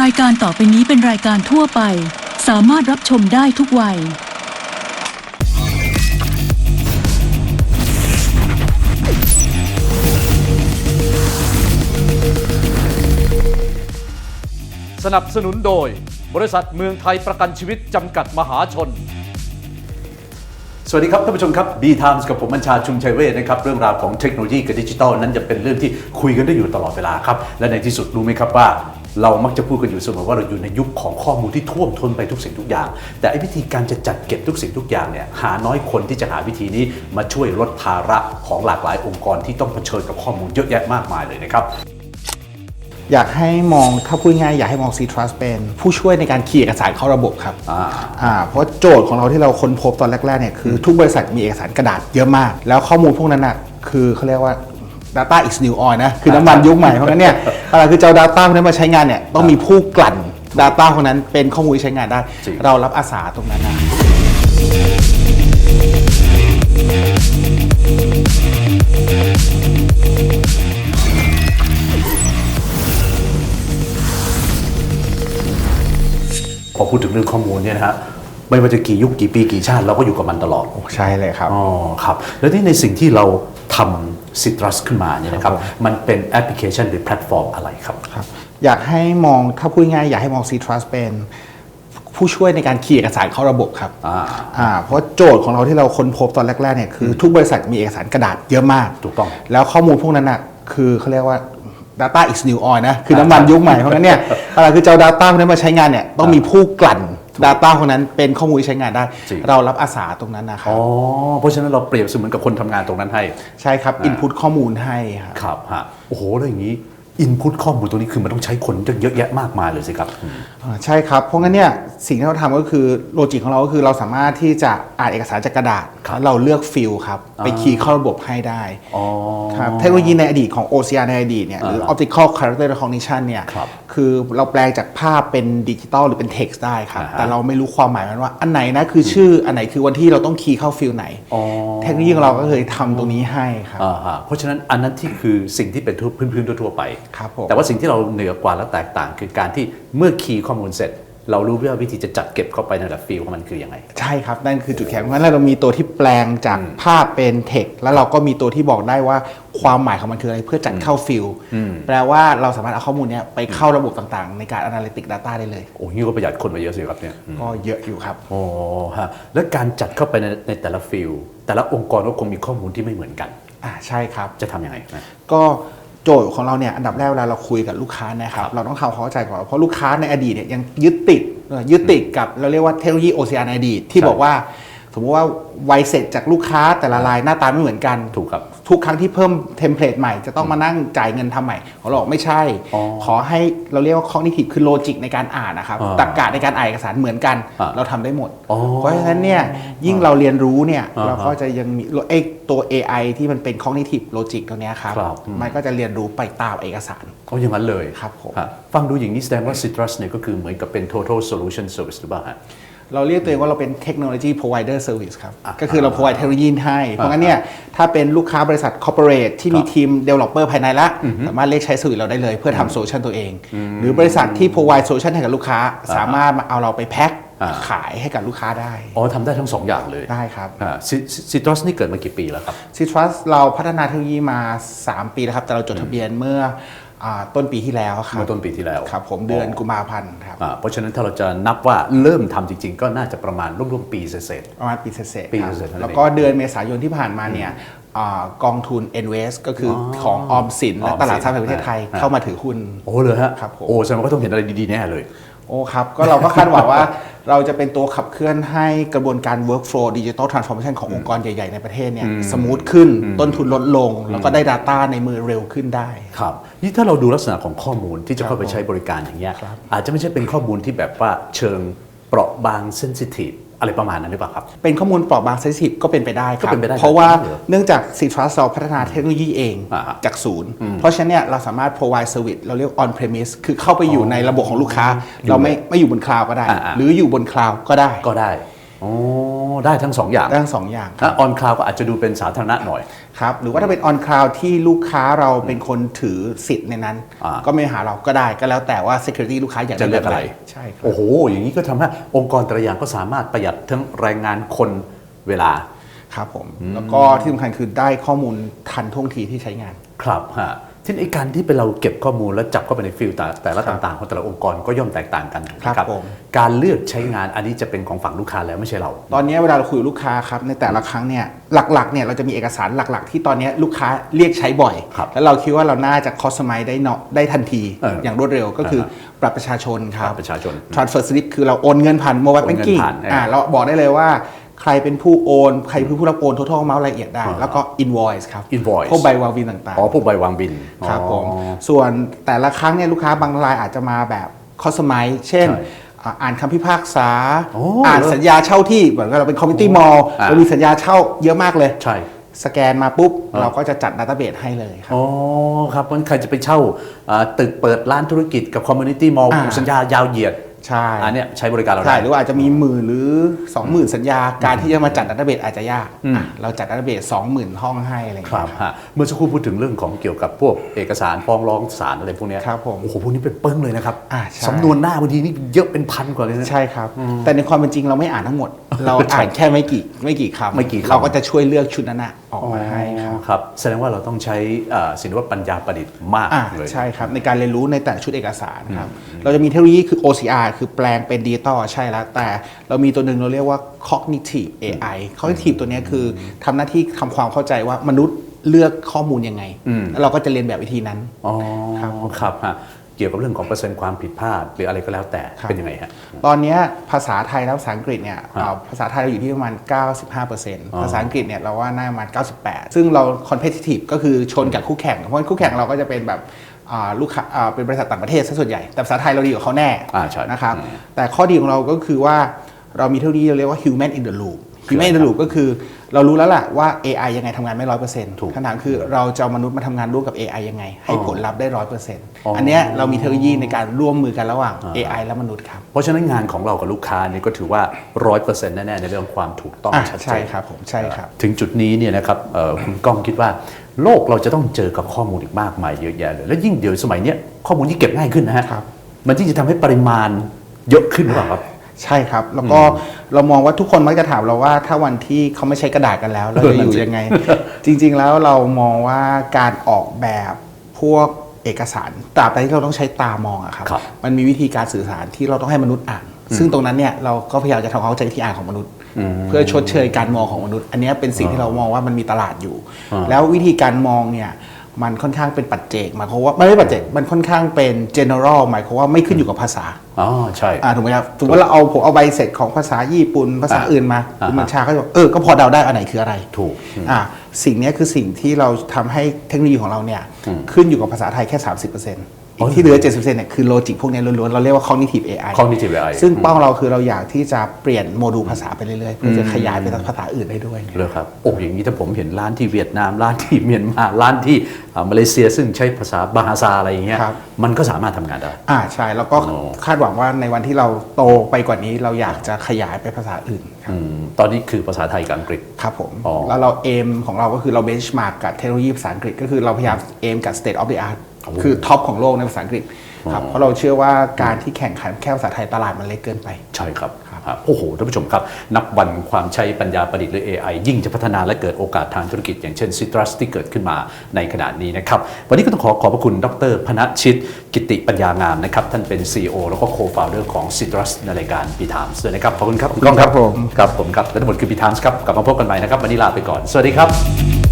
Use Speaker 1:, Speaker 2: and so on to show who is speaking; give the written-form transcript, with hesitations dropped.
Speaker 1: ายการต่อไปนี้เป็นรายการทั่วไปสามารถรับชมได้ทุกวัย
Speaker 2: สนับสนุนโดยบริษัทเมืองไทยประกันชีวิตจำกัดมหาชนสวัสดีครับท่านผู้ชมครับ B-Times กับผมบัญชาชุมชัยเวชนะครับเรื่องราวของเทคโนโลยีกับดิจิทัลนั้นจะเป็นเรื่องที่คุยกันได้อยู่ตลอดเวลาครับและในที่สุดรู้ไหมครับว่าเรามักจะพูดกันอยู่เสมอว่าเราอยู่ในยุคของข้อมูลที่ท่วมท้นไปทุกสิ่งทุกอย่างแต่วิธีการจะจัดเก็บทุกสิ่งทุกอย่างเนี่ยหาน้อยคนที่จะหาวิธีนี้มาช่วยลดภาระของหลากหลายองค์กรที่ต้องเผชิญกับข้อมูลเยอะแยะมากมายเลยนะครับ
Speaker 3: อยากให้มองถ้าพูดง่ายอยากให้มอง C-Trust เป็นผู้ช่วยในการคีย์เอกสารเข้าระบบครับเพราะโจทย์ของเราที่เราค้นพบตอนแรกๆเนี่ยคือทุกบริษัทมีเอกสารกระดาษเยอะมากแล้วข้อมูลพวกนั้นน่ะคือเขาเรียกว่า data is new oil นะคือน้ำมันยุคใหม่เพราะงั้นเนี่ยอะไรคือเจ้า data พวกนั้นมาใช้งานเนี่ยต้องมีผู้กลั่น data พวกนั้นเป็นข้อมูลที่ใช้งานได้เรารับอาสาตรงนั้นนะ
Speaker 2: พอพูดถึงเรื่องข้อมูลเนี่ยนะฮะไม่ว่าจะกี่ยุคกี่ปีกี่ชาติเราก็อยู่กับมันตลอด
Speaker 3: ใช่เลยครับ
Speaker 2: อ๋อครับแล้วที่ในสิ่งที่เราทำ Citrus ขึ้นมาเนี่ยนะครับมันเป็นแอปพลิเคชันหรือแพลตฟอร์มอะไรครับ
Speaker 3: อยากให้มองถ้าพูดง่ายอยากให้มอง C-Trust เป็นผู้ช่วยในการคีย์เอกสารเข้าระบบครับเพราะโจทย์ของเราที่เราค้นพบตอนแรกๆเนี่ยคือทุกบริษัทมีเอกสารกระดาษเยอะมาก
Speaker 2: ถูกต้อง
Speaker 3: แล้วข้อมูลพวกนั้นน่ะคือเขาเรียกว่า data is new oil นะคือน้ำมันยุคใหม่เพราะงั้นเนี่ยอะไรคือเจ้า data พวกนั้นมาใช้งานเนี่ยต้องมีผู้กลั่น data พวกนั้นเป็นข้อมูลที่ใช้งานได้เรารับอาสาตรงนั้นนะครับ
Speaker 2: เพราะฉะนั้นเราเปรียบเสมือนกับคนทำงานตรงนั้นให้
Speaker 3: ใช่ครับ input ข้อมูลให้
Speaker 2: ครับฮะโอ้โหแล้วอย่างนี้input ข้อมูลตัวนี้คือมันต้องใช้คนเยอะแยะมากมายเลยสิครับ
Speaker 3: ใช่ครับเพราะงั้นเนี่ยสิ่งที่เราทำก็คือโลจิกของเราก็คือเราสามารถที่จะอ่านเอกสารจากกระดาษแล้วเราเลือกฟิลครับไปคีย์เข้าระบบให้ได้ครับเทคโนโลยีในอดีตของ OCR ในอดีตเนี่ยหรือ Optical Character Recognition เนี่ยคือเราแปลงจากภาพเป็นดิจิตอลหรือเป็น text ได้ครับแต่เราไม่รู้ความหมายมันว่าอันไหนนะคือชื่ออันไหนคือวันที่เราต้องคีย์เข้าฟิลไหนเทคโนโลยีของเราก็เคยทำตรงนี้ให้ครับ
Speaker 2: เพราะฉะนั้นอันนั้นที่คือสิ่งที่เป็นพื้นๆทั่วไปแต่ว่าสิ่งที่เราเหนือกว่าและแตกต่างคือการที่เมื่อคีย์ข้อมูลเสร็จเรารู้ว่าวิธีจะจัดเก็บเข้าไปในแต่ละฟิลของมันคือยังไง
Speaker 3: ใช่ครับนั่นคือจุดแข็งเพราะฉะนั้นเรามีตัวที่แปลงจากภาพเป็นเทคแล้วเราก็มีตัวที่บอกได้ว่าความหมายของมันคืออะไรเพื่อจัดเข้าฟิลแปลว่าเราสามารถเอาข้อมูลนี้ไปเข้าระบบต่างๆในการ Analytic Data ได้เลย
Speaker 2: โอ้ยก็ประหยัดคนไปเยอะสิครับเนี่ย
Speaker 3: ก็เยอะอยู่ครับ
Speaker 2: โอ้ฮะแล้วการจัดเข้าไปในแต่ละฟิลแต่ละองค์กรก็คงมีข้อมูลที่ไม่เหมือนกัน
Speaker 3: ใช่ครับ
Speaker 2: จะทำยังไง
Speaker 3: ก็โจทย์ของเราเนี่ยอันดับแรกเวลาเราคุยกับลูกค้านะครับเราต้องทำความเข้าใจก่อนเพราะลูกค้าในอดีตเนี่ยยังยึดติดกับเราเรียกว่าเทคโนโลยี OCR ในอดีตที่บอกว่าสมมติว่าไวเสร็จจากลูกค้าแต่ละรายหน้าตาไม่เหมือนกัน
Speaker 2: ถูกครับ
Speaker 3: ทุกครั้งที่เพิ่มเทมเพลตใหม่จะต้องมานั่งจ่ายเงินทำใหม่เขาบอกไม่ใช่ขอให้เราเรียกว่า cognitive คือโลจิกในการอ่านนะครับตรรกะในการอ่านเอกสารเหมือนกันเราทำได้หมดเพราะฉะนั้นเนี่ยยิ่งเราเรียนรู้เนี่ยเราก็จะยังมีตัว AI ที่มันเป็น cognitive logic ตัวนี้ครับมันก็จะเรียนรู้ไปตามเอกสาร
Speaker 2: อย่างนั้นเลย
Speaker 3: ครับผม
Speaker 2: ฟังดูอย่างนี้แสดงว่า Citrus เนี่ยก็คือเหมือนกับเป็น total solution service หรือเปล่าฮะ
Speaker 3: เราเรียกตัวเองว่าเราเป็น technology provider service ครับก็คือเรา provide เทคโนโลยีให้เพราะงั้นเนี่ยถ้าเป็นลูกค้าบริษัท corporate ที่มีทีม developer ภายในละสามารถเรียกใช้ service เราได้เลยเพื่อทำโซลูชันตัวเองหรือบริษัทที่ provide solution ให้กับลูกค้าสามารถเอาเราไปแพ็คขายให้กับลูกค้าได้
Speaker 2: ทำได้ทั้ง2อย่างเลย
Speaker 3: ได้ครับ
Speaker 2: Citrus นี่เกิดมากี่ปีแล้วครับ
Speaker 3: Citrus เราพัฒนาเทคโนโลยีมา3ปีแล้วครับแต่เราจดทะเบียนเมื่อต้นปีที่แล้วครับ
Speaker 2: เมื่อต้นปีที่แล้ว
Speaker 3: ครับผมเดือนกุมภาพันธ์ครับ
Speaker 2: เพราะฉะนั้นถ้าเราจะนับว่าเริ่มทำจริงๆก็น่าจะประมาณร่วมปีเศษ
Speaker 3: ประมาณปีเศษแล้วก็เดือนเมษายนที่ผ่านมาเนี่ยกองทุน Envest ก็คือของออมสินและตลาดทรัพย์แห่งประเทศไทยเข้ามาถือหุ้น
Speaker 2: เลยฮะ
Speaker 3: ครับผม
Speaker 2: แสดงว่าก็ต้องเห็นอะไรดีๆแน่เลย
Speaker 3: ครับก็เราก็คาดหวังว่าเราจะเป็นตัวขับเคลื่อนให้กระบวนการ workflow digital transformation ขององค์กรใหญ่ๆในประเทศเนี่ยสมูทขึ้นต้นทุนลดลงแล้วก็ได้ Data ในมือเร็วขึ้นได้
Speaker 2: ครับนี่ถ้าเราดูลักษณะของข้อมูลที่จะเข้าไปใช้บริการอย่างเงี้ยอาจจะไม่ใช่เป็นข้อมูลที่แบบว่าเชิงเปราะบาง sensitive อะไรประมาณนั้นหรือเปล่าครับ
Speaker 3: เป็นข้อมูลเปราะบาง sensitive ก็เป็นไปได้ครับเพราะว่าเนื่องจาก Citrus เราพัฒนาเทคโนโลยีเองจากศูนย์เพราะฉะนั้นเนี่ยเราสามารถ provide service เราเรียก on premise คือเข้าไปอยู่ในระบบของลูกค้าเราไม่อยู่บนคลาวด์ก็ได้หรืออยู่บนคลาวด์ก็ได้
Speaker 2: อ๋อได้ทั้งสองอย่าง
Speaker 3: ได้ทั้งสองอย่าง
Speaker 2: ถ้าออนคลาวก็อาจจะดูเป็นสาธารณะหน่อย
Speaker 3: ครับหรือว่าถ้าเป็น on cloud ที่ลูกค้าเราเป็นคนถือสิทธิ์ในนั้น ก็ไม่หาเราก็ได้ก็แล้วแต่ว่า security ลูกค้าอยาก
Speaker 2: จะเลือกอะไร
Speaker 3: ใช่ครับ
Speaker 2: โอ้โห อย่างนี้ก็ทำให้องค์กรแต่ละอย่างก็สามารถประหยัดทั้งแรงงานคนเวลา
Speaker 3: ครับผมแล้วก็ที่สำคัญคือได้ข้อมูลทันท่วงทีที่ใช้งาน
Speaker 2: ครับฮะที่ไอการที่เป็นเราเก็บข้อมูลแล้วจับเข้าไปในฟิลแต่ละต่างๆของแต่ละองค์กรก็ย่อมแตกต่างกัน
Speaker 3: ครับผม
Speaker 2: การเลือกใช้งานอันนี้จะเป็นของฝั่งลูกค้าแล้วไม่ใช่เรา
Speaker 3: ตอนนี้เวลาเราคุยกับลูกค้าครับในแต่ละครั้งเนี่ยหลักๆเนี่ยเราจะมีเอกสารหลักๆ ที่ตอนนี้ลูกค้าเรียกใช้บ่อย
Speaker 2: ครับ
Speaker 3: แล้วเราคิดว่าเราน่าจะ customize ได้ทันที อย่างรวดเร็วก็คือบัตรประชาชนครับ
Speaker 2: บัตรประชาชน
Speaker 3: transfer slip คือเราโอนเงินผ่าน mobile
Speaker 2: โอนเงิน
Speaker 3: banking
Speaker 2: ผ่าน
Speaker 3: เราบอกได้เลยว่าใครเป็นผู้โอนใครเป็นผู้รับโอน total amount รายละเอียดได้ แล้วก็ invoice ครับ
Speaker 2: invoice
Speaker 3: พวกใบวางบินต่างๆ
Speaker 2: อ๋อพวกใบวางบิน
Speaker 3: ครับผม
Speaker 2: อ๋อ
Speaker 3: ส่วนแต่ละครั้งเนี่ยลูกค้าบางรายอาจจะมาแบบคอสไมซ์เช่น
Speaker 2: ใช่
Speaker 3: อ่านคำพิพากษา
Speaker 2: โอ้
Speaker 3: อ่านสัญญาเช่าที่เหมือนกับเราเป็นคอมมิตี้มอลล์
Speaker 2: อ่า
Speaker 3: เรามีสัญญาเช่าเยอะมากเลย
Speaker 2: ใช่
Speaker 3: สแกนมาปุ๊บ เราก็จะจัดดัตต้าเบสให้เลยครับ
Speaker 2: อ๋อครับมันใครจะไปเช่าตึกเปิดร้านธุรกิจกับคอมมูนิตี้มอลล์ สัญญายาวเหยียด
Speaker 3: ใช่
Speaker 2: อันเนี้ยใช้บริการเรา
Speaker 3: ใช่
Speaker 2: ได้
Speaker 3: หรือว่าอาจจะมี10,000หรือ 20,000 สัญญาการที่จะมาจัดดัตต้าเบสอาจจะยากเราจัดดัตต้าเบส 20,000 ห้องให้อะไรอย่าง
Speaker 2: ครั
Speaker 3: เงี้
Speaker 2: บ
Speaker 3: ย
Speaker 2: ฮะเมื่อสักครู่พูดถึงเรื่องของเกี่ยวกับพวกเอกสารฟ้องร้องศาลอะไรพวกเนี้ย
Speaker 3: ครับผม
Speaker 2: โอ้โหพวกนี้เป็นเปิ้งเลยนะครับ
Speaker 3: ใช่
Speaker 2: สำนวนหน้าบางทีนี่เยอะเป็นพันกว่าเลยนะ
Speaker 3: ใช่ครับ แต่ในความเป็นจริงเราไม่อ่านทั้งหมด เราอ่านแค่ไม่กี่คำ
Speaker 2: ไม่กี่คำ
Speaker 3: เราก็จะช่วยเลือกชุดนั้นนะออกมาให้ครับ
Speaker 2: ครับแสดงว่าเราต้องใช้ศิลปะปัญญาประดิษฐ์มากเลย
Speaker 3: ใช่ครับในการเรียนรู้ในแต่ละชุดเอกสารครับเราจะมีเทคโนโลยีคือ OCR คือแปลงเป็นดิจิตอลใช่แล้ว แต่เรามีตัวหนึ่งเราเรียกว่า cognitive AI cognitive ตัวเนี้ยคือทำหน้าที่ทำความเข้าใจว่ามนุษย์เลือกข้อมูลยังไง แล้วเราก็จะเรียนแบบวิธีนั้น
Speaker 2: อ๋อ
Speaker 3: ครับ
Speaker 2: ครับฮะเกี่ยวกับเรื่องของเปอร์เซ็นต์ความผิดพลาดหรืออะไรก็แล้วแต่
Speaker 3: ครับ
Speaker 2: เป็นยังไงฮะ
Speaker 3: ตอนเนี้ยภาษาไทยและภาษาอังกฤษเนี่ยภาษาไทยเราอยู่ที่ประมาณ 95%ภาษาอังกฤษเนี่ยเราว่าน่าประมาณ 98 ซึ่งเรา competitive ก็คือชนกับคู่แข่ง เพราะว่าคู่แข่งเราก็จะเป็นแบบลูกค้าเป็นบริษัทต่างประเทศซะส่วนใหญ่ แต่ภาษาไทยเราดีกว่าเขาแน่
Speaker 2: ใช่
Speaker 3: นะครับแต่ข้อดีของเราก็คือว่าเรามีเทคโนโลยีเราเรียกว่า human in the loop human in the loop ก็คือเรารู้แล้วแหละว่า AI ยังไงทำงานไม่ 100% คำถามคือเราจะเอามนุษย์มาทำงานร่วมกับ AI ยังไง ให้ผลลัพธ์ได้ 100% อันเนี้ยเรามีเทคโนโลยีในการร่วมมือกันระหว่าง AI และมนุษย์ครับ
Speaker 2: เพราะฉะนั้นงานของเรากับลูกค้านี่ก็ถือว่า 100% แน่ๆในเรื่องความถูกต้องชัดเจน
Speaker 3: ใช่ครับผมใช่ครับ
Speaker 2: ถึงจุดนี้เนี่ยนะครับคุณก้องคิดว่าโลกเราจะต้องเจอกับข้อมูลอีกมากมายเยอะแยะเลยและยิ่งเดี๋ยวสมัยเนี้ยข้อมูลที่เก็บง่ายขึ้นนะฮะ
Speaker 3: ครับ
Speaker 2: มันที่จะทำให้ปริมาณเยอะขึ้นหรือเปล่าครับ
Speaker 3: ใช่ครับ แล้วก็เรามองว่าทุกคนมักจะถามเราว่าถ้าวันที่เขาไม่ใช้กระดาษกันแล้วเราจะอยู่ยังไง จริงๆแล้วเรามองว่าการออกแบบพวกเอกสารตราบใดที่เราต้องใช้ตามองอะครับ
Speaker 2: ครับ
Speaker 3: มันมีวิธีการสื่อสารที่เราต้องให้มนุษย์อ่าน ซึ่งตรงนั้นเนี่ยเราก็พยายามจะทำความเข้าใจวิธีอ่านของมนุษย์ เพื่อชดเชยการมองของมนุษย์ อันเนี้ยเป็นสิ่งที่เรามองว่ามันมีตลาดอยู่ แล้ววิธีการมองเนี่ยมันค่อนข้างเป็นปัจเจกหมายความว่าไม่ปัจเจกมันค่อนข้างเป็น general หมายความว่าไม่ขึ้นอยู่กับภาษา
Speaker 2: อ๋อใช่
Speaker 3: ถูกไหมครับสมมติว่าผมเอาใบเสร็จของภาษาญี่ปุ่นภาษาอื่นมาคุณบัญชาก็จะบอกก็พอเดาได้อันไหนคืออะไร
Speaker 2: ถูก
Speaker 3: สิ่งนี้คือสิ่งที่เราทำให้เทคโนโลยีของเราเนี่ยขึ้นอยู่กับภาษาไทยแค่ 30%อีกที่เหลือ 70%เนี่ยคือโลจิกพวกนี้ล้วนๆเราเรียกว่า cognitive AI
Speaker 2: cognitive AI
Speaker 3: ซึ่งเป้าเราคือเราอยากที่จะเปลี่ยนโมดูลภาษาไปเรื่อยๆเพื่อจะขยายไปภาษาอื่นได้ด้วย
Speaker 2: เลยครับโอ้อย่างนี้ถ้าผมเห็นร้านที่เวียดนามร้านที่เมียนมาร้านที่มาเลเซียซึ่งใช้ภาษาบาฮาซาอะไรอย่างเงี้ย
Speaker 3: ครับ
Speaker 2: มันก็สามารถทำงานได้
Speaker 3: ใช่แล้วก็คาดหวังว่าในวันที่เราโตไปกว่านี้เราอยากจะขยายไปภาษาอื่นครับ
Speaker 2: ตอนนี้คือภาษาไทยกับอังกฤษ
Speaker 3: ครับผม
Speaker 2: อ๋อ
Speaker 3: แล้วเราเอมของเราก็คือเราเบนช์มาร์กกับเทคโนโลยีภาษาอังกฤษก็คือเราพยายามเอมกับ state of the art คือท็อปของโลกในภาษาอังกฤษครับเพราะเราเชื่อว่าการที่แข่งขันแค่ภาษาไทยตลาดมันเล็กเกินไป
Speaker 2: ใช่ครับโอ้โหท่านผู้ชมครับ นับวันความใช้ปัญญาประดิษฐ์หรือ AI ยิ่งจะพัฒนาและเกิดโอกาสทางธุรกิจอย่างเช่น Citrus ที่เกิดขึ้นมาในขณะนี้นะครับ วันนี้ก็ต้องขอบพระคุณดร.พนัสชิต กิติปัญญางามนะครับ ท่านเป็น CEO แล้วก็ Co-founder ของ Citrus ในรายการ B Times ด้วยนะครับ ขอบคุณครับคุณก้องครับ
Speaker 3: ครับผม
Speaker 2: ครับผมครับและทั้งหมดคือ B Times ครับกลับมาพบกันใหม่นะครับวันนี้ลาไปก่อนสวัสดีครับ